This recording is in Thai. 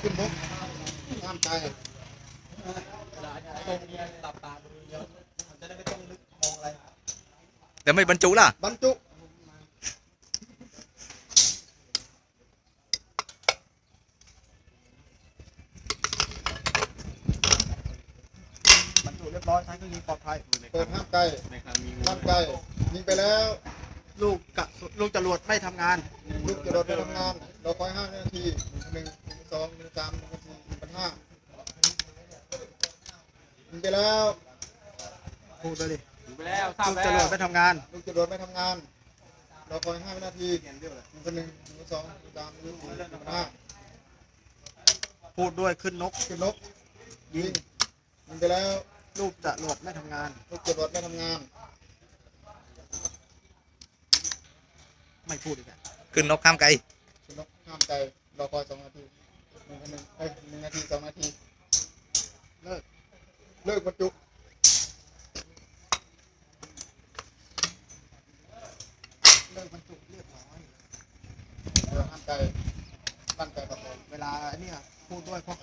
ขึ้นบกห้ามใจตรงหลับตาดูเยอะมันจะได้ไม่ต้องนึกมองอะไรแต่ไม่บรรจุล่ะบรรจุบรรจุเรียบร้อยใช้เครื่องยิงปลอดภัยเปิดห้ามไกลห้ามไกลยิงไปแล้วลูกจรวดไม่ทำงานลูกจะโดดไปทำงานเราคอย5 นาที1 2 1 3 1 4 1 5ยิงไปแล้วพูดไปดิไปแล้วทราบลูกแล้จรวดวไม่ทำงานลูกจะโดดไม่ทำงานเราคอย5 นาที1 1 2 3 1 4 1 5 พูดด้วยขึ้นนกขึ้นนกยิงไปแล้วลูกจรวดไม่ทำงานลูกจะโดดไม่ทำงานไม่พูดอีกอ่ะขึ้นนกข้ามไกลขึ้นนกห้ามใจเราคอย2 นาที1 นาที 2 นาทีเลิกบรรจุเลิกบรรจุเรียบร้อยห้ามใจตั้งใจประกอบเวลาเนี่ยพูดด้วย